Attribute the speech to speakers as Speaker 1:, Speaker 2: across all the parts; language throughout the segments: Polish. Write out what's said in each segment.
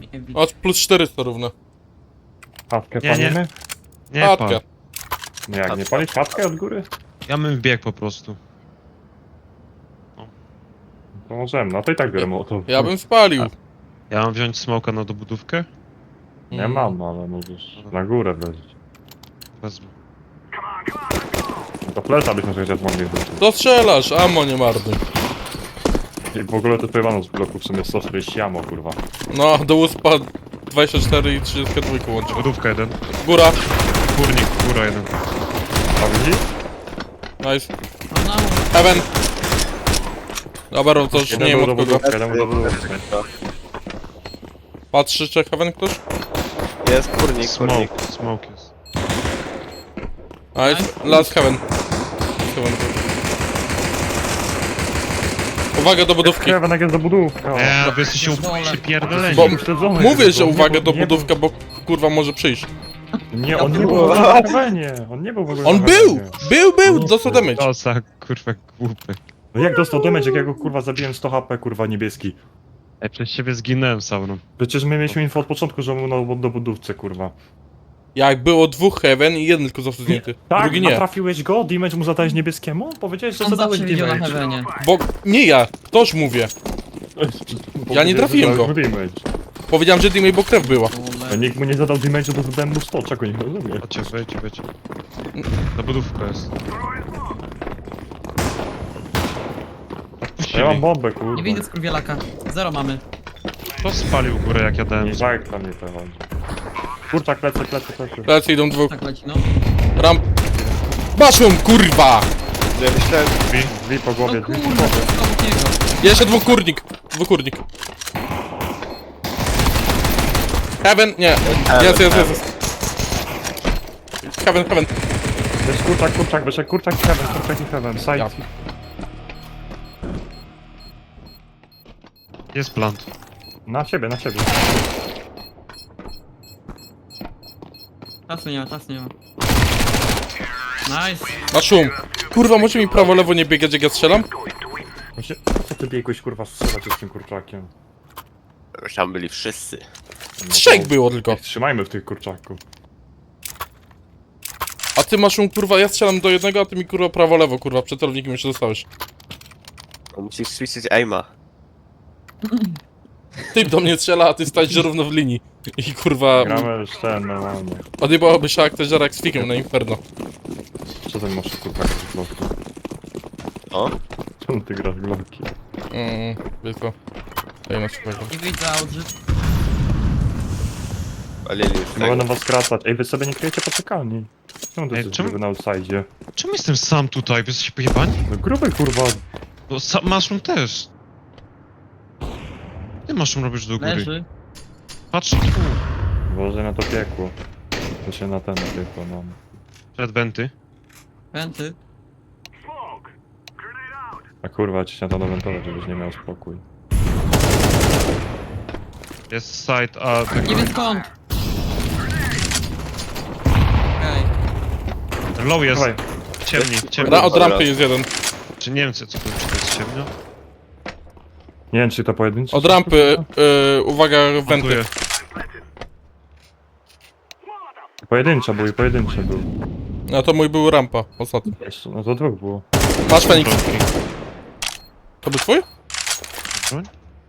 Speaker 1: Nie widzę.
Speaker 2: Aż plus 400 równe.
Speaker 3: Chatkę
Speaker 4: Nie, nie.
Speaker 3: palimy?
Speaker 4: Nie
Speaker 2: Chatkę.
Speaker 4: pal.
Speaker 3: No jak, nie palić chatkę od góry?
Speaker 4: Ja bym biegł po prostu.
Speaker 3: To możemy, no to i tak biorę mołotow.
Speaker 2: Ja bym spalił.
Speaker 4: Ja mam wziąć smoka na dobudówkę?
Speaker 3: Nie mam, ale możesz na górę wleźć.
Speaker 4: Wezmę.
Speaker 3: To flesza byśmy chociaż mogli wrzucić.
Speaker 2: To strzelasz, ammo nie marnuj.
Speaker 3: I w ogóle to pojewano z bloku w sumie 140 jamo, kurwa.
Speaker 2: No, do uspa 24 i 32 łącznie.
Speaker 4: Budówka jeden.
Speaker 2: Góra.
Speaker 4: Górnik, góra jeden.
Speaker 3: A widzisz?
Speaker 2: Nice.
Speaker 1: No, no.
Speaker 2: Heaven. Dobra, to już nie wiem
Speaker 3: Jeden
Speaker 2: od
Speaker 3: był do
Speaker 2: kogo.
Speaker 3: budówki, jeden był do budówki.
Speaker 2: Patrzy, czy Heaven ktoś?
Speaker 5: Jest kurnik, kurnik.
Speaker 4: Smoke jest.
Speaker 2: Nice. Last Heaven. Heaven. Uwaga do budówki.
Speaker 3: Kevin, jak jest do budówki.
Speaker 4: Nie, wy jesteście przypierdoleni.
Speaker 2: Bo
Speaker 3: Śledzony,
Speaker 2: mówię,
Speaker 3: kurwa,
Speaker 2: że
Speaker 3: nie
Speaker 2: uwaga
Speaker 3: był-
Speaker 2: do
Speaker 3: nie
Speaker 2: budówka, bo kurwa może przyjść.
Speaker 3: Nie, on nie był w ogóle na Kevenie. On nie był w ogóle
Speaker 2: On
Speaker 3: na
Speaker 2: był!
Speaker 3: Kevenie.
Speaker 2: Był! Dostał damage.
Speaker 4: Dosa, kurwa, głupy.
Speaker 3: No jak dostał damage, jak ja go kurwa zabiłem 100 HP, kurwa niebieski.
Speaker 4: Ej, przez ciebie zginąłem, Sauron.
Speaker 3: Przecież my mieliśmy info od początku, że on był do budówce, kurwa.
Speaker 2: Jak było dwóch Heaven i jeden tylko został zdjęty.
Speaker 3: Tak,
Speaker 2: Drugi
Speaker 3: a
Speaker 2: nie.
Speaker 3: trafiłeś go? Damage mu zadałeś niebieskiemu? Powiedziałeś, że
Speaker 1: On
Speaker 3: zadałeś
Speaker 1: zawsze widział na
Speaker 3: damage.
Speaker 1: heavenie.
Speaker 2: Bo nie ja, toż mówię. Ja nie trafiłem go.
Speaker 3: Damage.
Speaker 2: Powiedziałem, że teammate, bo krew była.
Speaker 3: A nikt mu nie zadał damage'u, to zadałem mu 100, czego nie rozumiem.
Speaker 4: Chodźcie, wejdźcie. Ta budówka jest.
Speaker 3: Ja mam
Speaker 4: Odpuścili.
Speaker 3: bombę, kurwa.
Speaker 1: Nie widzę skurwielaka. Zero mamy.
Speaker 4: Kto spalił górę, jak ja dałem?
Speaker 3: Nie żart dla mnie to chodzi. Kurczak, lecę.
Speaker 2: Lecę, idą dwóch.
Speaker 1: Tak leci, no.
Speaker 2: Ramp. Baszą, kurwa!
Speaker 5: Ja myślałem,
Speaker 3: Drzwi po
Speaker 1: No
Speaker 3: głowie, drzwi po
Speaker 1: kurwa,
Speaker 3: głowie.
Speaker 1: to obok niego.
Speaker 2: Jeszcze dwukurnik. Dwukurnik. Heaven, nie. Jest. Heaven.
Speaker 3: Jest kurczak, wyszedł kurczak i heaven, side.
Speaker 2: Ja.
Speaker 4: Jest plant.
Speaker 3: Na siebie.
Speaker 1: Czasu nie ma. Nice.
Speaker 2: Ma szum. Kurwa, może mi prawo, lewo nie biegać, jak ja strzelam?
Speaker 3: Właśnie, co ty biegłeś kurwa strzelać z tym kurczakiem?
Speaker 5: już tam byli wszyscy.
Speaker 3: No
Speaker 2: Trzech
Speaker 3: to
Speaker 2: było tylko.
Speaker 3: niech trzymajmy w tych kurczaku.
Speaker 2: A ty masz szum, kurwa, ja strzelam do jednego, a ty mi kurwa prawo, lewo, kurwa, przed celownikiem jeszcze dostałeś.
Speaker 5: No, musisz switchić aima.
Speaker 2: Ty do mnie strzela, a ty stajesz równo w linii. I kurwa,
Speaker 3: Gramy już ten normalnie.
Speaker 2: odjebałoby się aktorze jak z fikiem na Inferno.
Speaker 3: Co ten masz kurczak z glocki?
Speaker 5: O,
Speaker 3: Czemu ty grasz w glocki?
Speaker 2: Tylko. Daj na przykład.
Speaker 1: Nie widzę Audrey.
Speaker 5: palili już
Speaker 3: Nie mogę na
Speaker 5: tego.
Speaker 3: was skracać. Ej, wy sobie nie kryjecie poczekalni. Czemu ty
Speaker 4: Ej,
Speaker 3: jesteś
Speaker 4: czemu-
Speaker 3: gruby na outside?
Speaker 4: Czemu jestem sam tutaj? Wy jesteście pojebani?
Speaker 3: No gruby kurwa.
Speaker 4: Bo Mushroom też. Ty Mushroom robisz do góry.
Speaker 1: Leży.
Speaker 4: Patrz tu.
Speaker 3: Boże na to piekło. To się na ten piekło mam.
Speaker 4: Przed wenty.
Speaker 1: Pęty.
Speaker 3: A kurwa, ci się na to wentować, żebyś nie miał spokój.
Speaker 4: Jest side, a tak.
Speaker 1: Nie wiem skąd. Okej.
Speaker 4: Low jest.
Speaker 3: Dawaj.
Speaker 4: Ciemni.
Speaker 2: Od rampy jest jeden.
Speaker 4: Czy nie wiem co to czy to jest ciemno?
Speaker 3: Nie wiem, czy to pojedynczy.
Speaker 2: Od rampy, uwaga, wenty.
Speaker 4: Plantuję.
Speaker 3: Pojedyncze był.
Speaker 2: No to mój był rampa, ostatni.
Speaker 3: Jeszcze, no to dwóch było.
Speaker 2: Masz Feniks.
Speaker 4: Plotki.
Speaker 2: To był twój?
Speaker 4: Broń?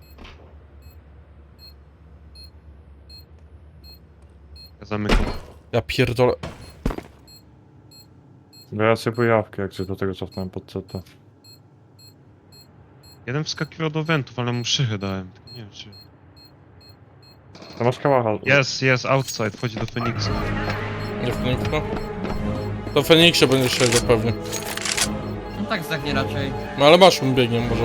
Speaker 4: Ja zamykam.
Speaker 2: Ja pierdolę.
Speaker 3: Bo ja sobie pojawkę, jak się do tego cofnąłem pod CT.
Speaker 4: Jeden wskakiwał do wentów, ale mu szychę dałem. Tylko nie wiem czy...
Speaker 3: To masz kałacha.
Speaker 4: Jest, outside, wchodzi do Feniksa.
Speaker 2: Nie Feniksa? To w Feniksie będziesz siedział pewnie.
Speaker 1: No tak zdechnie raczej.
Speaker 2: No ale masz biegnie może.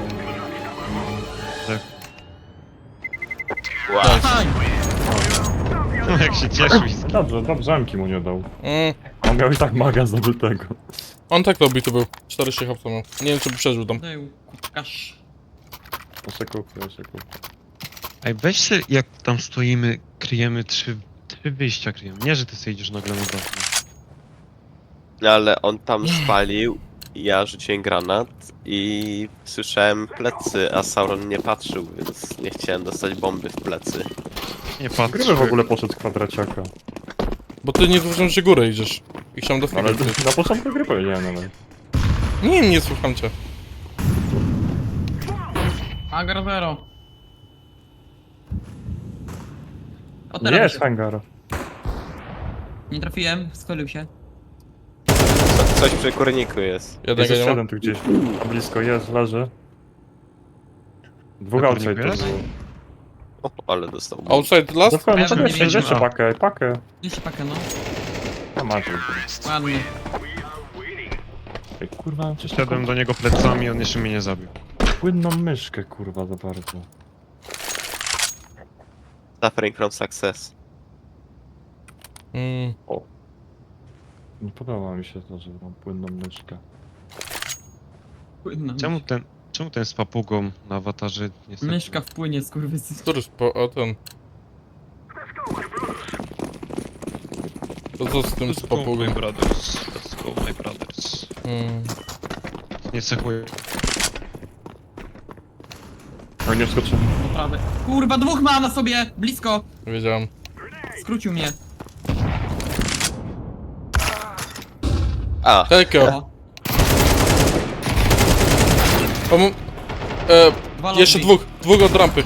Speaker 5: Wow.
Speaker 1: Aj!
Speaker 4: No jak się cieszył.
Speaker 3: Dobrze, zamki mu nie dał.
Speaker 2: Mm,
Speaker 3: On miał i tak maga zdobytego.
Speaker 2: on tak robi to był. 40 hapsa miał. Nie wiem czy by przeżył tam.
Speaker 1: Był kupkasz.
Speaker 3: Ja się kupię.
Speaker 4: Ej, weź się, jak tam stoimy, kryjemy trzy wyjścia kryjemy. Nie, że ty sobie idziesz nagle na dach.
Speaker 5: No ale on tam spalił ja rzuciłem granat i słyszałem plecy, a Sauron nie patrzył, więc nie chciałem dostać bomby w plecy.
Speaker 4: Nie patrz.
Speaker 3: Gryby w ogóle poszedł z kwadraciaka.
Speaker 2: Bo ty nie zauważyłem, że górę idziesz. I chciałem do
Speaker 3: No, ale
Speaker 2: ale...
Speaker 3: na początku gry powiedziałem, ale...
Speaker 2: Nie słucham cię.
Speaker 1: Hangar zero. O,
Speaker 3: Nie
Speaker 1: teraz
Speaker 3: jest
Speaker 1: się-
Speaker 3: hangar.
Speaker 1: Nie trafiłem, skolił się.
Speaker 5: Coś przy kurniku jest.
Speaker 3: Jest
Speaker 2: Jednego
Speaker 3: jeszcze
Speaker 2: nie ma.
Speaker 3: jeden tu gdzieś. A blisko jest, leży. Dwóch
Speaker 4: Na
Speaker 3: outside
Speaker 4: kurniku
Speaker 3: to
Speaker 4: jest?
Speaker 3: było.
Speaker 5: O, ale dostał.
Speaker 2: Outside last?
Speaker 3: Zostałem, no
Speaker 1: Ja
Speaker 3: to
Speaker 1: bym nie
Speaker 3: jeszcze,
Speaker 1: wiedział.
Speaker 3: jeszcze pakę.
Speaker 1: Jeszcze pakę, no.
Speaker 3: A macie.
Speaker 1: Ładnie.
Speaker 3: Ej, kurwa, coś
Speaker 4: Szedłem do niego plecami, on jeszcze mnie nie zabił.
Speaker 3: płynną myszkę, kurwa, za bardzo.
Speaker 5: Suffering from success.
Speaker 3: Nie podoba mi się to, że mam płynną myszkę.
Speaker 1: Płynna
Speaker 4: Czemu ten z papugą na awatarze nie stoi?
Speaker 1: myszka wpłynie, skurwysy.
Speaker 2: Który o ten. To co z tym z
Speaker 4: Let's go,
Speaker 2: papugą?
Speaker 4: my brothers. Let's go, my brothers. Nie cechuję.
Speaker 3: A nie wskoczyłem.
Speaker 1: Prawy. Kurwa, dwóch ma na sobie! Blisko!
Speaker 2: Wiedziałem.
Speaker 1: Skrócił mnie.
Speaker 5: A,
Speaker 2: Hejko.
Speaker 1: O, dwa
Speaker 2: Jeszcze
Speaker 1: lobby.
Speaker 2: dwóch od rampy.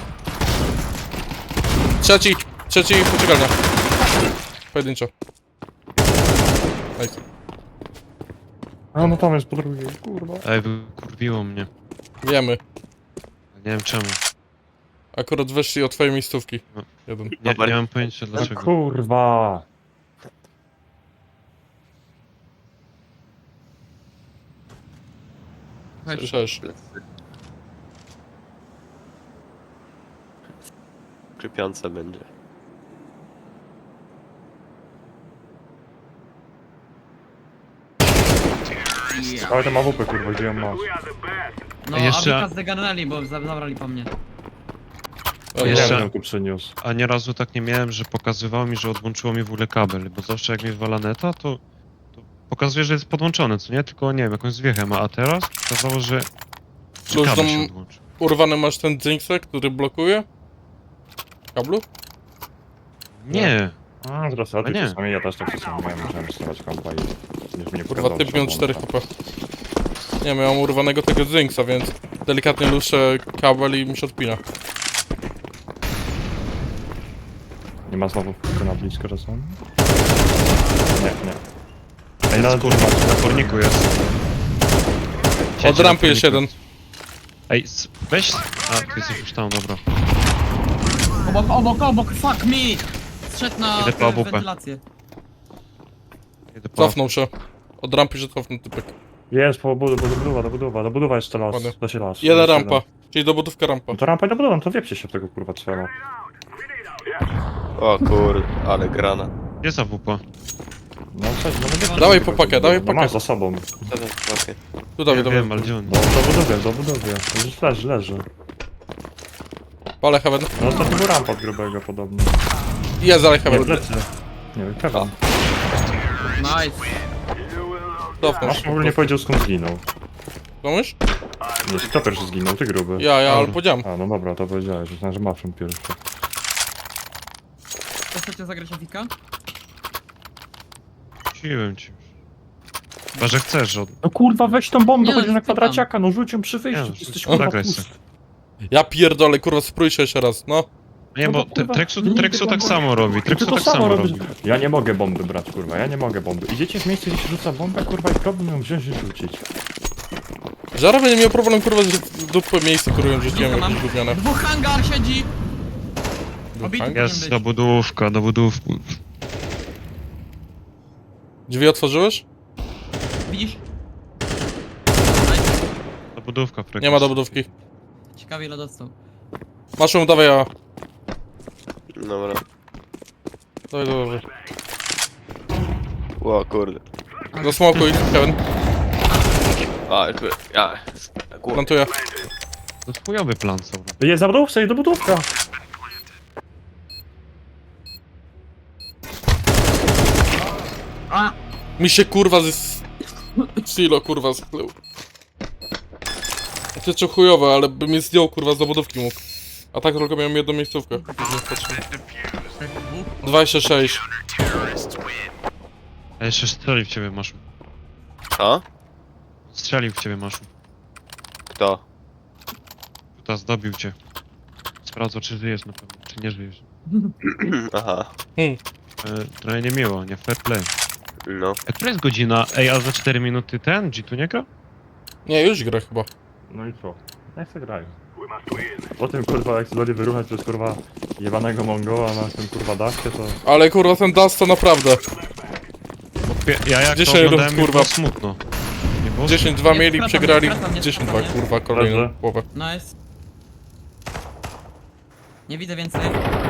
Speaker 2: Trzeci poczekalnia. Pojedynczo. Nice.
Speaker 3: A no tam jest po drugiej, kurwa.
Speaker 4: Ej, wykurwiło mnie.
Speaker 2: Wiemy.
Speaker 4: Nie wiem czemu.
Speaker 2: Akurat weszli od twojej miejscówki.
Speaker 4: No.
Speaker 2: Jeden.
Speaker 4: Nie mam pojęcia
Speaker 3: No
Speaker 4: dlaczego.
Speaker 3: kurwa.
Speaker 1: Chodź.
Speaker 2: Słyszałeś.
Speaker 5: Krypiące będzie.
Speaker 3: Ale to ma WP, kurwa, gdzie ją masz?
Speaker 1: No,
Speaker 4: Jeszcze-
Speaker 1: Abika zdegarnęli, bo zabrali po mnie.
Speaker 2: O,
Speaker 3: Nie
Speaker 4: Jeszcze-
Speaker 3: wiem, ją tu przyniósł.
Speaker 4: A nieraz tak nie miałem, że pokazywało mi, że odłączyło mi w ogóle kabel, bo zawsze jak mi wywala neta, to pokazuje, że jest podłączone, co nie? Tylko nie wiem, jakąś zwiechę ma, a teraz pokazało, że
Speaker 2: Cóż,
Speaker 4: kabel
Speaker 2: tam-
Speaker 4: się odłączył.
Speaker 2: Urwany masz ten Jinxek, który blokuje? Kablu?
Speaker 4: Nie,
Speaker 3: A, teraz ja
Speaker 4: No nie.
Speaker 3: czasami, ja też tak czasami miałem, musiałem stawać kompa i... Niż mnie
Speaker 2: Kurwa,
Speaker 3: pokazał,
Speaker 2: typ
Speaker 3: że
Speaker 2: miał
Speaker 3: mam
Speaker 2: 4
Speaker 3: kompa.
Speaker 2: HP. Nie, miałem urwanego tego Jinxa, więc delikatnie luszę kabel i mi się odpina.
Speaker 3: Nie ma znowu tylko na blisko czasami? Nie. Ej, no,
Speaker 4: kurwa, na kurniku jest.
Speaker 2: Od
Speaker 4: Siedzi
Speaker 2: rampy
Speaker 4: na
Speaker 2: jest
Speaker 4: kurniku.
Speaker 2: jeden.
Speaker 4: Ej, weź... A, ty jesteś już tam, dobra.
Speaker 1: Obok, fuck me! Zszedł na
Speaker 4: Idę po AWP.
Speaker 1: wentylację.
Speaker 4: Jedę po...
Speaker 2: Cofnął się. Od rampy się cofnął typek.
Speaker 3: Jest, do budowa jeszcze las,
Speaker 2: Ładnie.
Speaker 3: da się las.
Speaker 2: Jedna
Speaker 3: jeszcze
Speaker 2: rampa.
Speaker 3: las.
Speaker 2: Czyli dobudówka rampa.
Speaker 3: No to rampa i do budowy, no to wiepcie się w tego kurwa trzeba.
Speaker 5: O kur... ale grana.
Speaker 4: Gdzie za WP?
Speaker 3: No coś, no będzie.
Speaker 2: Dawaj po pakę, dawaj po
Speaker 3: No masz
Speaker 2: pakę.
Speaker 3: za sobą.
Speaker 5: Okej.
Speaker 2: Tu dawaj,
Speaker 4: Ja
Speaker 2: dawaj.
Speaker 4: wiem, ale gdzie on?
Speaker 3: No, do budowy. Już leży.
Speaker 2: Palę heaven.
Speaker 3: No to był rampa od grubego podobno.
Speaker 2: Jest dalej
Speaker 3: Nie,
Speaker 2: heaven.
Speaker 3: plecy. Nie wiem, Kevin.
Speaker 1: Nice.
Speaker 2: Cofnął
Speaker 3: Masz w
Speaker 2: się.
Speaker 3: ogóle nie powiedział skąd zginął.
Speaker 2: Komuś?
Speaker 3: Nie, kto pierwszy zginął? Ty gruby.
Speaker 2: Ja, ale powiedziałem.
Speaker 3: A, no dobra, to powiedziałeś, myślałem, że Mafrum pierwszy.
Speaker 1: To chcecie zagrać Afika?
Speaker 4: Siłem ci już. Chyba, że chcesz, że...
Speaker 3: No kurwa, weź tą bombę,
Speaker 1: Nie,
Speaker 3: chodź na
Speaker 1: spytam.
Speaker 3: kwadraciaka, no rzuć ją przy wyjściu,
Speaker 4: Nie,
Speaker 3: ty jesteś
Speaker 4: no,
Speaker 3: kurwa
Speaker 4: zagraj
Speaker 3: pusty.
Speaker 4: se.
Speaker 2: Ja pierdolę, kurwa, sprój się jeszcze raz, no.
Speaker 4: Nie,
Speaker 3: No
Speaker 4: bo
Speaker 3: bo kurwa,
Speaker 4: Trexu
Speaker 3: nigdy
Speaker 4: tak
Speaker 3: bomby-
Speaker 4: samo robi,
Speaker 3: Ty
Speaker 4: Trexu
Speaker 3: to
Speaker 4: tak samo robi.
Speaker 3: Ja nie mogę bomby brać, kurwa, ja nie mogę bomby. Idziecie w miejsce, gdzie się rzuca bombę, kurwa, i problem ją wziąć i rzucić.
Speaker 2: Żara będzie miał problem, kurwa, że w dupę miejsce, które ją rzuciłem,
Speaker 1: Mam.
Speaker 2: jakieś gówniane.
Speaker 1: Dwóch hangar siedzi! Obity
Speaker 2: Hangar?
Speaker 1: powinien
Speaker 4: Jest
Speaker 1: być.
Speaker 4: dobudówka, dobudówka.
Speaker 2: Drzwi otworzyłeś?
Speaker 1: Widzisz?
Speaker 4: Dobudówka, Trexu.
Speaker 2: Nie ma dobudówki.
Speaker 1: Ciekawie ile dostał.
Speaker 2: Masz ją, dawaj, ja.
Speaker 5: Dobra.
Speaker 2: Dawaj.
Speaker 5: O kurde.
Speaker 2: Zasmokuj, Kevin.
Speaker 5: A, jakby... Ja... Kurwa.
Speaker 2: Plantuję.
Speaker 4: To chujowy plan są.
Speaker 3: Jest zabudówka, jest dobudówka.
Speaker 1: A!
Speaker 2: Mi się, kurwa, Silo, kurwa, skleł. To jest chujowe, ale by mnie zdjął, kurwa, z zabudówki mógł. A tak tylko miałem jedną miejscówkę. 26.
Speaker 4: A jeszcze strzelił w ciebie, Maszu.
Speaker 5: Co?
Speaker 4: Strzelił w ciebie, Maszu.
Speaker 5: Kto?
Speaker 4: Tutaj zdobił cię. Sprawdzał, czy żyjesz na pewno, czy nie żyjesz.
Speaker 5: Aha.
Speaker 4: Trochę niemiło, nie fair play.
Speaker 5: No.
Speaker 4: A która jest godzina? Ej, a za 4 minuty ten G tu nie gra?
Speaker 2: Nie, już gra chyba.
Speaker 3: No i co? Niech se grają. Po tym kurwa jak zdoli wyruchać przez kurwa jebanego Mongoła na tym kurwa daszkę to...
Speaker 2: Ale kurwa, ten Dust to naprawdę.
Speaker 4: Ja jak
Speaker 2: 10
Speaker 4: to oglądałem,
Speaker 2: rund,
Speaker 4: mi było
Speaker 2: kurwa.
Speaker 4: smutno. Nie było?
Speaker 2: 10-2
Speaker 1: Nie,
Speaker 2: mieli,
Speaker 1: skracam,
Speaker 2: przegrali
Speaker 1: nie skracam, nie
Speaker 2: 10-2,
Speaker 1: skracam,
Speaker 2: kurwa, kolejną
Speaker 3: Dobrze.
Speaker 2: połowę.
Speaker 1: Nice. Nie widzę więcej.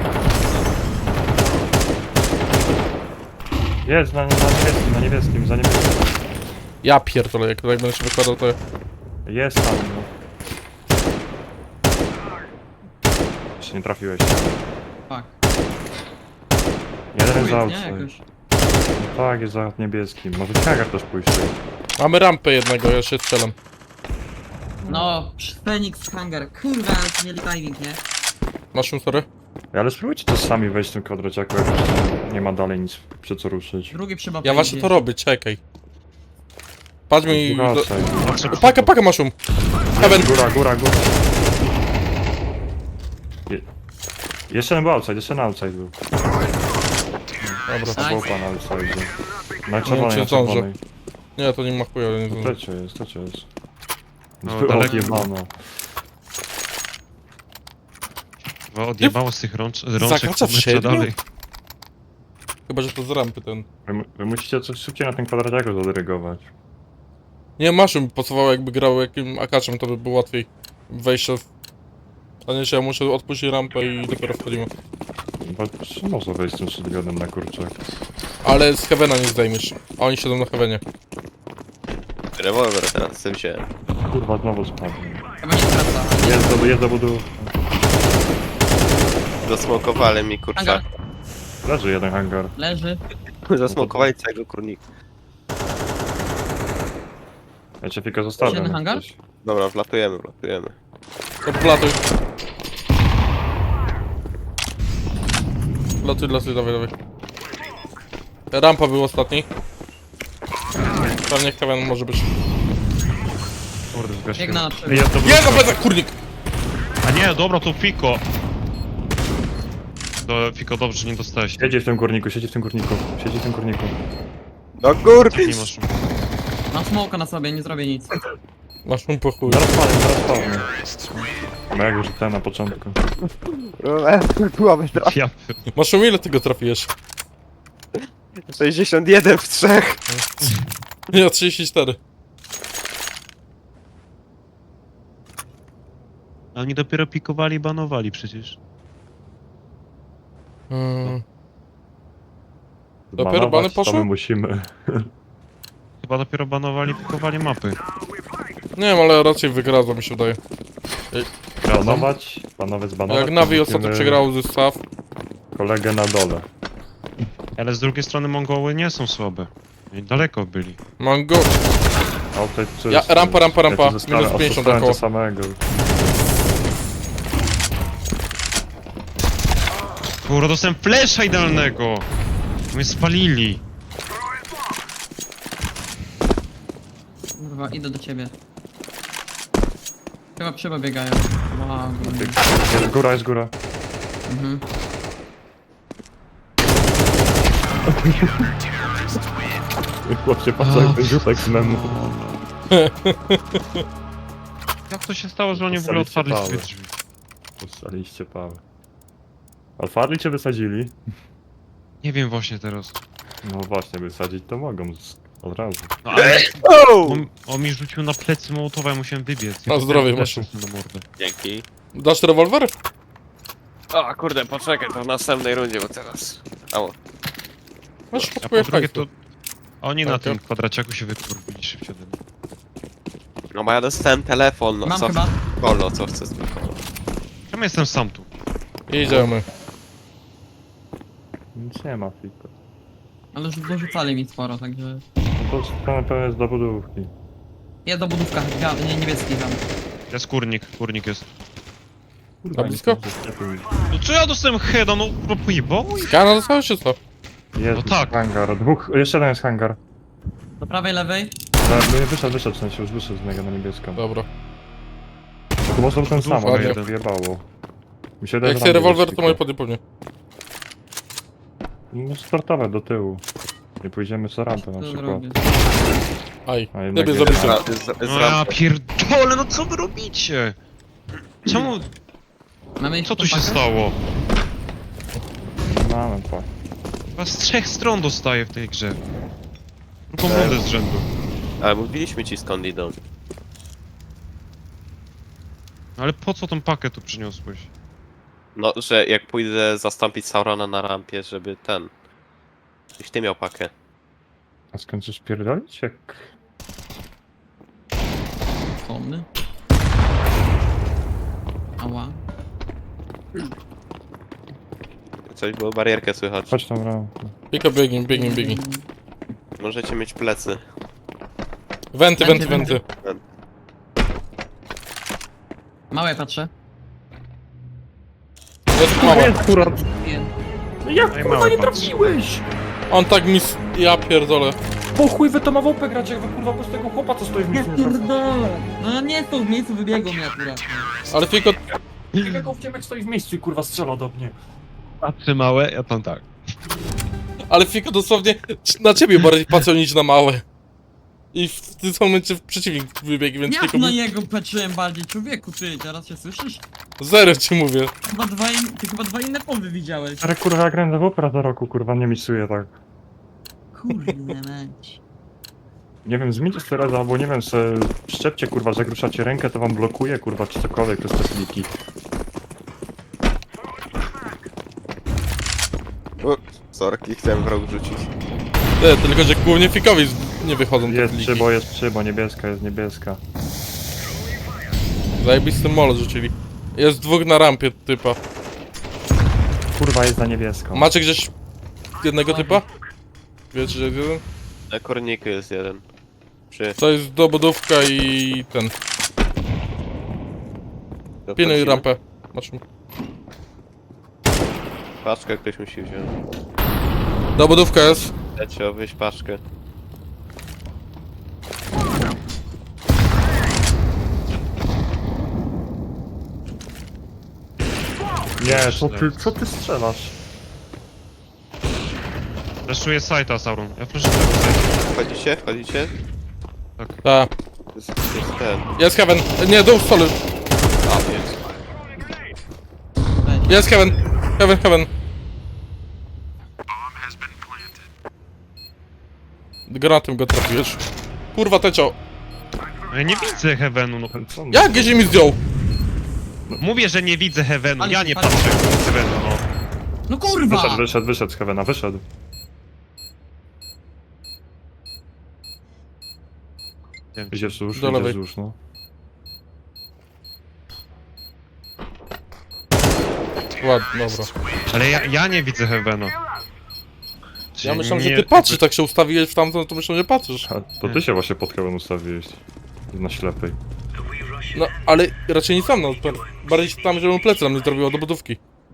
Speaker 3: Jest na niebieskim.
Speaker 2: Ja pierdolę, jak tak będę się wykładał, to...
Speaker 3: Jest tam, no. Jeszcze nie trafiłeś.
Speaker 1: Fuck.
Speaker 3: Jeden
Speaker 1: Chuj,
Speaker 3: za
Speaker 1: nie,
Speaker 3: outside.
Speaker 1: jakoś.
Speaker 3: Tak, jest za niebieskim. Może Kagar też pójść.
Speaker 2: Mamy rampę jednego, ja się strzelam.
Speaker 1: No, Phoenix Hangar. Kurwa, ale ci mieli timing, nie?
Speaker 2: Masz sorry?
Speaker 3: Ale spróbujcie też sami wejść w tym kwadraciaku, jak już nie ma dalej nic przy co ruszyć.
Speaker 1: Drugi przyba.
Speaker 2: Ja właśnie to robię, czekaj. Patrz mi...
Speaker 3: Góra,
Speaker 2: do...
Speaker 3: outside.
Speaker 2: Paka maszum. Heaven.
Speaker 3: Góra. Jeszcze nie był outside, był.
Speaker 2: Dobra.
Speaker 1: Nice.
Speaker 3: Był pan outside. Na
Speaker 2: Nie wiem,
Speaker 3: czerwonej,
Speaker 2: czy
Speaker 3: na
Speaker 2: zdążę.
Speaker 3: czerwonej.
Speaker 2: Nie, to nie ma chuja, nie zdążę.
Speaker 3: To cię jest.
Speaker 4: No,
Speaker 3: Było
Speaker 4: daleko.
Speaker 3: odjebane.
Speaker 4: Bo odjebało z tych rączek,
Speaker 2: Zakracza w
Speaker 4: metra
Speaker 2: siedmiu?
Speaker 4: dalej.
Speaker 2: Chyba, że to z rampy ten.
Speaker 3: Wy musicie coś szybciej na tym kwadraciaku zadyrygować.
Speaker 2: Nie, maszyn pasowało, jakby grał jakim akaczem, to by było łatwiej wejście w... A nie, że ja muszę odpuścić rampę i dopiero wchodzimy.
Speaker 3: Bo można wejść z tym shotgunem na kurczak.
Speaker 2: Ale z Heavena nie zdejmiesz, a oni siedzą na Heavenie.
Speaker 5: Rewolwer teraz z tym wziąłem.
Speaker 3: Kurwa, znowu spadł.
Speaker 1: Chyba nie skraca.
Speaker 3: Jest do budu.
Speaker 5: Zasmokowali mi kurczak.
Speaker 1: Hangar.
Speaker 3: Leży jeden hangar.
Speaker 1: Leży.
Speaker 5: Zasmokowali całego kurnika.
Speaker 3: Ja cię tylko zostawiam.
Speaker 1: Jeden
Speaker 3: jak
Speaker 1: hangar?
Speaker 3: coś.
Speaker 5: Dobra, wlatujemy.
Speaker 2: To platuj. Latuj, dawaj. Rampa był ostatni. Pewnie Heaven może być.
Speaker 4: Kurde, zgasiłem.
Speaker 1: Biegnę na przodu.
Speaker 4: Jest to
Speaker 2: Nie, na plecach, kurnik!
Speaker 4: A nie, dobra, to Fiko. Fiko, dobrze, że nie dostałeś.
Speaker 3: Siedzi w tym górniku.
Speaker 5: No kur...
Speaker 4: Nie masz.
Speaker 1: Mam smoka na sobie, nie zrobię nic.
Speaker 2: Masz mu po chuj.
Speaker 3: Zaraz padnie. No jak już ten na początku.
Speaker 4: Ja...
Speaker 2: Masz ile tego trafiłeś?
Speaker 5: 61 w 3.
Speaker 2: Nie, 34.
Speaker 4: A oni dopiero pikowali i banowali przecież.
Speaker 2: Dopiero bany
Speaker 3: Banować,
Speaker 2: poszły?
Speaker 3: To my musimy.
Speaker 4: Chyba dopiero banowali i pikowali mapy.
Speaker 2: Nie wiem, ale raczej wygradzą mi się wydaje.
Speaker 3: Banować, zbanować.
Speaker 2: Jak Navi
Speaker 3: to
Speaker 2: ostatnio
Speaker 3: musimy
Speaker 2: przegrał ze Staw.
Speaker 3: Kolegę na dole.
Speaker 4: Ale z drugiej strony Mongoły nie są słabe. Oni daleko byli.
Speaker 2: Mango.
Speaker 3: Outside czysto.
Speaker 2: Ja- rampa.
Speaker 3: Ja tu zostanę,
Speaker 2: Minus 50
Speaker 3: odstałem
Speaker 2: około.
Speaker 3: to samego.
Speaker 4: Kurwa, dostałem flesza idealnego! Mnie spalili.
Speaker 1: Kurwa, idę do ciebie. Chyba przyba biegają. Wow,
Speaker 3: Jest góra.
Speaker 1: mhm.
Speaker 3: Chłopcie, patrz jak ten rzutek z memu.
Speaker 4: Jak to się stało, że oni w ogóle otwarli sobie drzwi?
Speaker 3: Puszczaliście pałę. Alfarli cię wysadzili?
Speaker 4: Nie wiem właśnie teraz.
Speaker 3: No właśnie, wysadzić to mogą od razu.
Speaker 4: No ale
Speaker 5: Oh!
Speaker 4: on mi rzucił na plecy Mołotowa, ja musiałem wybiec.
Speaker 2: Na zdrowie,
Speaker 4: masz.
Speaker 2: masz.
Speaker 4: Na mordę.
Speaker 5: Dzięki.
Speaker 2: Dasz rewolwer?
Speaker 5: O kurde, poczekaj, to w następnej rundzie, bo teraz... Ało.
Speaker 2: Masz
Speaker 4: A po
Speaker 2: kupuję
Speaker 4: drugie
Speaker 2: hajsu.
Speaker 4: to... Oni na
Speaker 2: Tak,
Speaker 4: tym
Speaker 2: ja.
Speaker 4: kwadraciaku się wykurwili szybciej ode mnie.
Speaker 5: No bo ja dostałem telefon, no
Speaker 1: Mam
Speaker 5: co
Speaker 1: chyba.
Speaker 5: Kolo, co chcę z tym Kolo?
Speaker 4: Czemu jestem sam tu?
Speaker 2: Idziemy.
Speaker 3: Nic nie ma, fiko.
Speaker 1: Ale już dorzucali mi sporo, także...
Speaker 3: To pewnie jest do budówki.
Speaker 1: Jest do budówka, nie, niebieski tam.
Speaker 4: Jest kurnik jest.
Speaker 2: Na blisko?
Speaker 4: No co ja dostałem heada, no pojebało ich?
Speaker 2: Skana dostałeś czy co?
Speaker 3: Jest
Speaker 4: No tak.
Speaker 3: hangar. Jeszcze jeden jest hangar.
Speaker 1: Do prawej, lewej.
Speaker 3: Wyszedł w sensie, już wyszedł z niego na niebieską.
Speaker 2: Dobra.
Speaker 3: To może ten sam, ale
Speaker 2: Ładnie.
Speaker 3: mnie wyjebało. Mi się wydaje,
Speaker 2: Jak
Speaker 3: że
Speaker 2: się
Speaker 3: tam
Speaker 2: rewolwer,
Speaker 3: będzie
Speaker 2: to moje
Speaker 3: tylko.
Speaker 2: podnie pewnie.
Speaker 3: No startowe do tyłu. Nie pójdziemy co rampę na
Speaker 1: Co
Speaker 3: przykład.
Speaker 1: zrobię?
Speaker 2: Aj,
Speaker 3: A jednak
Speaker 2: lepiej
Speaker 3: nie.
Speaker 2: zabijcie.
Speaker 4: No ja pierdolę, no co wy robicie? Czemu,
Speaker 1: Mamy ich
Speaker 4: co tu się
Speaker 1: pakę?
Speaker 4: stało?
Speaker 3: Mamy tak.
Speaker 4: Chyba z 3 stron dostaję w tej grze. Drugą rundę z rzędu.
Speaker 5: Ale mówiliśmy ci skąd idą.
Speaker 4: Ale po co tą pakę tu przyniosłeś?
Speaker 5: No, że jak pójdę zastąpić Saurona na rampie, żeby ten... Jeśli ty miał pakę.
Speaker 3: A skończysz pierdolić? Jak...
Speaker 1: Konny. Ała.
Speaker 5: Coś było, barierkę słychać.
Speaker 3: Chodź tam rampę.
Speaker 2: Pika, biegnij.
Speaker 5: Możecie mieć plecy.
Speaker 2: Wenty.
Speaker 1: Małe patrzę.
Speaker 2: Jest mała.
Speaker 3: akurat!
Speaker 1: Nie.
Speaker 3: Jak
Speaker 4: Ej, kurwa, nie
Speaker 3: trafiłeś?
Speaker 2: On tak mi... Ja pierdolę.
Speaker 3: Po chuj wy to ma WP grać, jak wy kurwa po tego chłopa co stoi w
Speaker 1: Ja
Speaker 3: miejscu nie trafił.
Speaker 1: pierdolę. No nie są w miejscu, wybiegło mi akurat.
Speaker 2: Ale tylko...
Speaker 3: Jak Ciemek stoi w miejscu i kurwa strzela do mnie.
Speaker 4: Patrzy małe, ja tam tak.
Speaker 2: Ale Fiko dosłownie na ciebie bardziej patrzył niż na małe. I w tym momencie przeciwnik wybiegł, więc
Speaker 1: Jak
Speaker 2: Fiko...
Speaker 1: na niego patrzyłem bardziej, człowieku, ty, teraz się słyszysz?
Speaker 2: Zero ci mówię.
Speaker 1: Ty chyba dwa inne powy widziałeś.
Speaker 3: Ale kurwa jak grałem do WP za roku kurwa nie misuje tak.
Speaker 1: Kurde mać.
Speaker 3: Nie wiem, zmieńcie teraz albo nie wiem, se szczepcie kurwa, że jak ruszacie rękę to wam blokuje kurwa czy cokolwiek przez te kliki.
Speaker 5: Sorki, chciałem w rok rzucić.
Speaker 2: Nie, tylko że głównie Fikowi nie wychodzą te
Speaker 3: Jest
Speaker 2: pliki.
Speaker 3: jest przybo, niebieska jest niebieska.
Speaker 2: Zajebisty molo rzucili. Jest dwóch na rampie typa.
Speaker 3: Kurwa jest za niebieską.
Speaker 2: Macie gdzieś jednego typa? Wiecie, że jest jeden?
Speaker 5: Na korniku jest jeden. Przy...
Speaker 2: To jest dobudówka i ten. Pilnuj rampę. Masz mi.
Speaker 5: Paczkę ktoś musi wziąć.
Speaker 2: Dobudówka jest.
Speaker 5: Lecie, wyjść paczkę.
Speaker 3: Nie, co ty strzelasz?
Speaker 4: Flashuję sajta, Sauron. Ja flashuję sajta.
Speaker 5: Wchodzicie?
Speaker 2: Tak.
Speaker 5: Jest ten.
Speaker 2: Jest Heaven. Nie, dół stole.
Speaker 5: A, jest.
Speaker 2: Jest Heaven. Heaven. Granatem go trafiłeś. Kurwa, tecio.
Speaker 4: Ja nie widzę Heavenu, no.
Speaker 3: Co on-
Speaker 2: Jak gdzieś mi zdjął?
Speaker 4: Mówię, że nie widzę Heavenu,
Speaker 1: Ale
Speaker 4: ja
Speaker 1: się
Speaker 4: nie
Speaker 1: pali.
Speaker 4: patrzę w Heavenu, no.
Speaker 1: No kurwa!
Speaker 3: Wyszedł z Heavena, wyszedł.
Speaker 4: Nie wiem,
Speaker 3: Idzie wzdłuż,
Speaker 2: Do
Speaker 3: idzie
Speaker 2: lewej.
Speaker 3: wzdłuż, no.
Speaker 2: Ładnie, dobra.
Speaker 4: ale ja nie widzę Heavena.
Speaker 2: Ja myślałem,
Speaker 4: nie-
Speaker 2: że ty patrzysz, tak się ustawiłeś w tamtą, to myślałem, że patrzysz.
Speaker 3: A to ty się właśnie pod Heaven ustawiłeś. Na ślepej.
Speaker 2: No, ale raczej nie sam, no. Bardziej tam, żeby mu plecy nam nie zrobiło do budówki.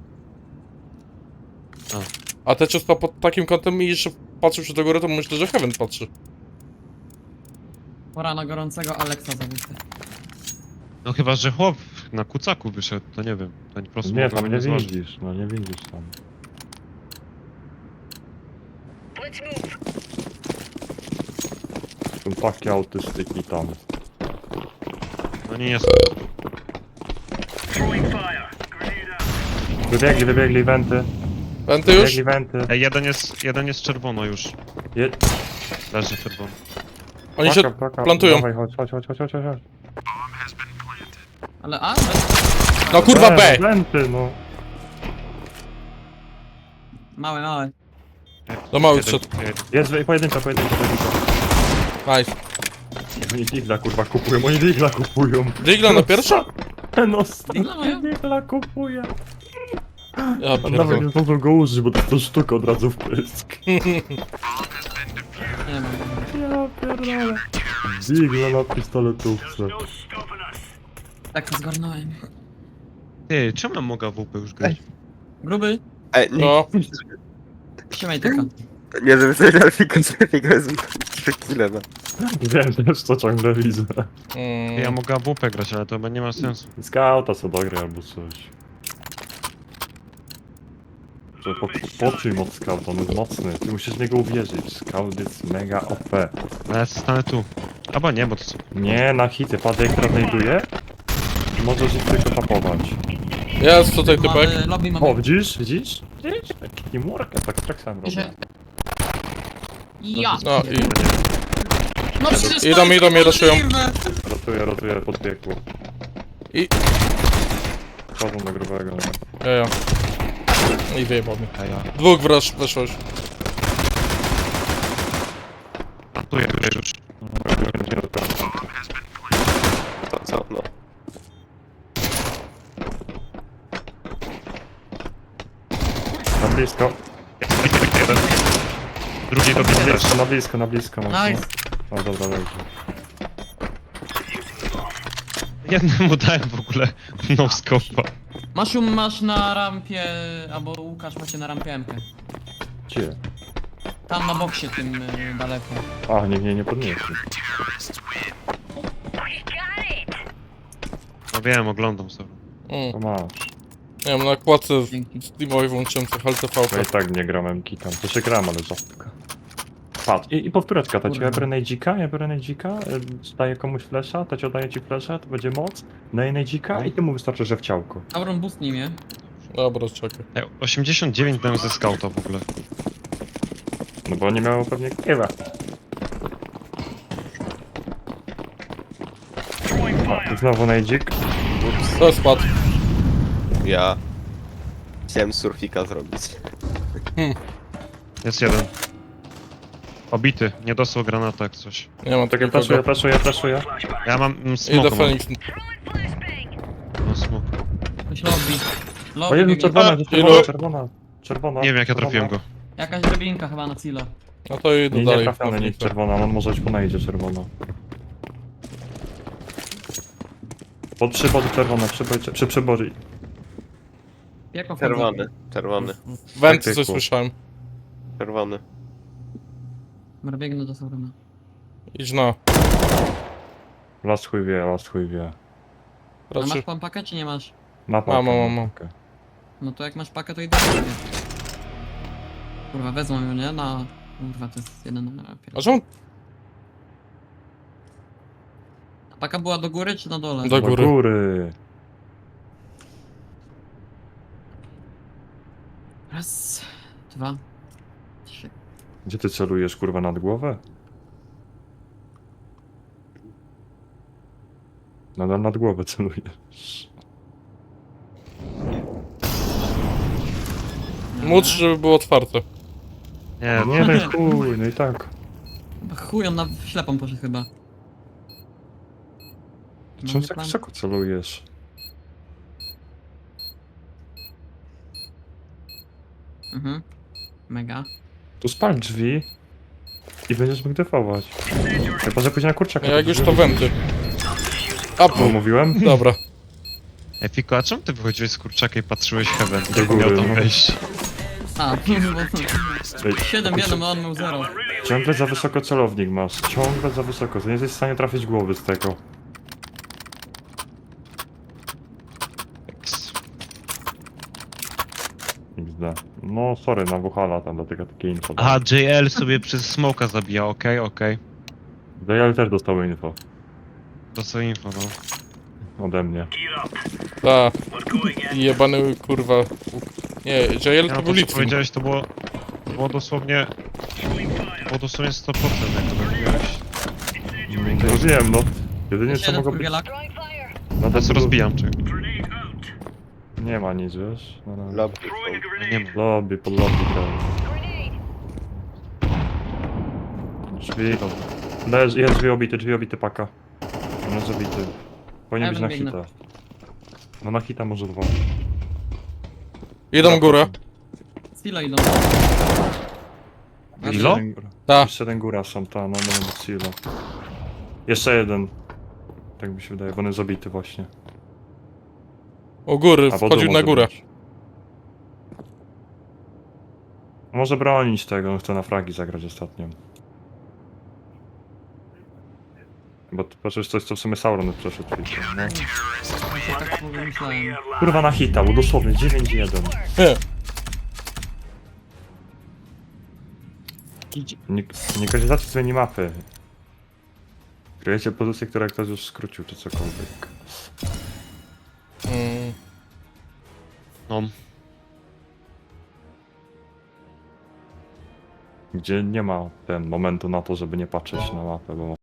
Speaker 2: A tecio stał pod takim kątem i jeszcze patrzył się do góry, to myślę, że Heaven patrzy.
Speaker 1: Pora na gorącego Alexa zabójcę.
Speaker 4: No chyba, że chłop na kucaku wyszedł, to nie wiem. To po prostu
Speaker 3: Nie,
Speaker 4: mogę
Speaker 3: tam nie
Speaker 4: zważyć.
Speaker 3: widzisz, no nie widzisz tam. Są takie autystyki tam.
Speaker 4: No nie jest.
Speaker 3: Wybiegli wenty.
Speaker 2: Wenty już?
Speaker 3: Wybiegli wenty.
Speaker 4: Ej, jeden jest czerwono już.
Speaker 3: Je...
Speaker 4: Leży czerwono.
Speaker 2: Oni się
Speaker 3: Paka.
Speaker 2: plantują.
Speaker 3: Dawaj, chodź.
Speaker 1: Ale a?
Speaker 2: No kurwa B!
Speaker 3: Wenty, no.
Speaker 1: Małe.
Speaker 2: Do mały
Speaker 4: Jeden-
Speaker 2: wszedł.
Speaker 3: Jest pojedyncza.
Speaker 2: Nice.
Speaker 3: Oni digla kurwa kupują.
Speaker 2: Digla na pierwsza?
Speaker 3: No
Speaker 1: Digla mają?
Speaker 3: digla kupuje.
Speaker 2: Ja
Speaker 3: A nawet
Speaker 2: pierdolę.
Speaker 3: nie zdążą go użyć, bo to sztuka od razu w pysk.
Speaker 1: Nie mam.
Speaker 3: Ja pierdolę. Digla na pistoletówce.
Speaker 1: Tak to zgarnąłem.
Speaker 4: Ty, czemu mam mogę WP już grać?
Speaker 1: Gruby,
Speaker 5: Nie,
Speaker 2: No,
Speaker 1: trzymaj tylko.
Speaker 5: nie żeby coś Delfika jest 3 kile, no.
Speaker 3: Wiem też, co ciągle widzę.
Speaker 4: Ja mogę WP grać, ale to chyba nie ma sensu.
Speaker 3: Skauta co dogry albo coś. Że poczuj moc skauta, on jest mocny. Ty musisz w niego uwierzyć. Scout jest mega OP.
Speaker 4: No ja stanę tu. Albo nie, bo to co?
Speaker 3: Nie na hity, padek znajduje. Możesz ich tylko tapować.
Speaker 2: jest tutaj typek.
Speaker 1: Mamy, lobby mamy.
Speaker 3: O, widzisz? Widzisz? Widzisz? Teamwork, ja tak sam robię.
Speaker 1: Się- Ja!
Speaker 2: No i
Speaker 1: No przecież to
Speaker 2: Idą,
Speaker 1: jest
Speaker 2: idą, raszują.
Speaker 1: możliwe.
Speaker 3: Rotuję pod piekło.
Speaker 2: I-
Speaker 3: Wchodzą do grubego.
Speaker 2: ja. I wyjebał mnie.
Speaker 4: A ja.
Speaker 2: Dwóch weszło już.
Speaker 4: Tu ja już.
Speaker 5: To co, no.
Speaker 3: Na blisko.
Speaker 4: Jeden. Drugi do mnie też.
Speaker 3: Jeszcze na blisko. mocno.
Speaker 1: Nice.
Speaker 3: O, dobra, dobrze.
Speaker 4: Jednemu dałem w ogóle no scope'a.
Speaker 1: Maszum masz na rampie, albo Łukasz macie na rampie MK.
Speaker 3: Gdzie?
Speaker 1: Tam na boksie tym daleko.
Speaker 3: A, nikt mnie nie podniesie.
Speaker 4: No wiem, oglądam sobie.
Speaker 3: To masz.
Speaker 2: Nie wiem, na kładce
Speaker 1: Dzięki.
Speaker 2: Steamowej włączyłem coś LTV.
Speaker 3: Ja i tak nie gram MK tam. To się gram, ale rzadko. Patrz, i powtóreczka, to ci ja biorę Nejdzika, daję komuś flesza, to ci oddaję ci flesza, to będzie moc, daję Nejdzika i ty mu wystarczy, że w ciałko.
Speaker 1: Auron boost nim,
Speaker 2: Dobra, czekaj.
Speaker 4: 89 dałem ze scouta w ogóle.
Speaker 3: No bo nie miało pewnie kiewa. I znowu Nejdzik.
Speaker 2: To spadł.
Speaker 5: Ja chciałem surfika zrobić.
Speaker 4: Jest jeden. Obity, nie dostał granata jak coś.
Speaker 2: Nie mam
Speaker 3: Czekaj,
Speaker 2: takiego.
Speaker 3: flaszuję.
Speaker 4: Ja mam
Speaker 2: Idę
Speaker 4: smoka.
Speaker 2: Fenix.
Speaker 4: Mam smok.
Speaker 1: Coś lobby.
Speaker 3: O
Speaker 1: Lobby
Speaker 3: Jezu,
Speaker 1: biegnie.
Speaker 3: czerwona.
Speaker 4: Nie wiem jak ja trafiłem go.
Speaker 1: Jakaś drabinka chyba na Cilo.
Speaker 2: No to idę
Speaker 3: Nie
Speaker 2: dalej.
Speaker 3: trafiony, nic czerwona, on może być po Nejdzie czerwona. Przy bodzie czerwona, przy przebodzie.
Speaker 1: Jako
Speaker 5: Czerwony.
Speaker 2: Wenty
Speaker 3: Tak,
Speaker 2: coś
Speaker 3: tak,
Speaker 2: słyszałem.
Speaker 5: Czerwony.
Speaker 1: Dobra, biegnę do Saurona.
Speaker 2: Idź na.
Speaker 3: Last chuj wie.
Speaker 1: A masz
Speaker 2: Raczej.
Speaker 1: pan pakę czy nie masz?
Speaker 2: Mam.
Speaker 3: Okej.
Speaker 1: No to jak masz pakę to idę do ciebie. Kurwa, wezmą ją, nie? Na... Kurwa, to jest jeden na rapie.
Speaker 2: A czemu
Speaker 1: A paka była do góry czy na dole?
Speaker 2: Do góry.
Speaker 3: góry.
Speaker 1: Raz, dwa, trzy.
Speaker 3: Gdzie ty celujesz, kurwa, nad głowę? Nadal nad głowę celujesz.
Speaker 2: Módl, żeby było otwarte.
Speaker 4: Nie,
Speaker 3: Nie, no i chuj, no i tak.
Speaker 1: Chuj, on na ślepą poszedł chyba.
Speaker 3: Czemu
Speaker 1: Mamy
Speaker 3: tak
Speaker 1: plan?
Speaker 3: wysoko celujesz?
Speaker 1: Mhm. Mega.
Speaker 3: Tu spal drzwi i będziesz mógł defować. Chyba, że później na kurczaka.
Speaker 2: Jak już to wenty.
Speaker 3: No,
Speaker 2: Up.
Speaker 3: mówiłem?
Speaker 2: Dobra.
Speaker 4: Ej, Fiko, a czemu ty wychodziłeś z kurczaka i patrzyłeś Heaven?
Speaker 3: Do
Speaker 4: Jak miał
Speaker 3: góry,
Speaker 4: tam
Speaker 3: no.
Speaker 4: wejść?
Speaker 1: A,
Speaker 3: Ej,
Speaker 1: 7-1, a on miał 0.
Speaker 3: ciągle za wysoko celownik masz. Ciągle za wysoko. To nie jesteś w stanie trafić głowy z tego. XD. No sorry, na Wuhala tam dlatego takie info.
Speaker 4: Aha, JL sobie przez smoka zabija, okej.
Speaker 3: DL też dostały info.
Speaker 4: To co info, no.
Speaker 3: Ode mnie.
Speaker 2: Ta. Jebany kurwa. Nie, JL
Speaker 4: Ja,
Speaker 2: to
Speaker 4: no
Speaker 2: był
Speaker 4: to co
Speaker 2: Litwin.
Speaker 4: powiedziałeś, to było dosłownie... Było dosłownie 100% jak to robiłeś.
Speaker 3: To wiem, no. Jedynie co
Speaker 1: 7
Speaker 3: mogło być...
Speaker 1: kurwielak.
Speaker 3: No
Speaker 4: Teraz rozbijam, czy...
Speaker 3: Nie ma nic, wiesz? No, no.
Speaker 5: Lobby.
Speaker 4: Nie ma.
Speaker 3: Lobby, pod lobby grałem. Drzwi. Jest drzwi obity paka. On jest obity. Powinien
Speaker 1: Ja
Speaker 3: być na
Speaker 1: biegnę.
Speaker 3: hita. No na hita może dwa.
Speaker 2: Idą górę.
Speaker 1: Stilo idą. A
Speaker 4: Ilo?
Speaker 3: Jeszcze jeden góra.
Speaker 2: Ta.
Speaker 3: Jeszcze jeden góra są, ta, no, no, Silo. Jeszcze jeden. Tak mi się wydaje, bo on jest zabity właśnie.
Speaker 2: O góry,
Speaker 3: Albo
Speaker 2: wchodził
Speaker 3: dół
Speaker 2: na
Speaker 3: może
Speaker 2: górę.
Speaker 3: być. Może bronić tego, on chce na fragi zagrać ostatnio. Bo to przecież coś, co w sumie Sauron przeszedł. No.
Speaker 1: Ja tak pomyślałem.
Speaker 3: Kurwa na hita, bo dosłownie 9-1.
Speaker 2: Nie.
Speaker 3: Nie korzystacie z minimapy. Kryjecie pozycję, która ktoś już skrócił, czy cokolwiek.
Speaker 2: Mm.
Speaker 4: No,
Speaker 3: Gdzie nie ma ten momentu na to, żeby nie patrzeć na mapę, bo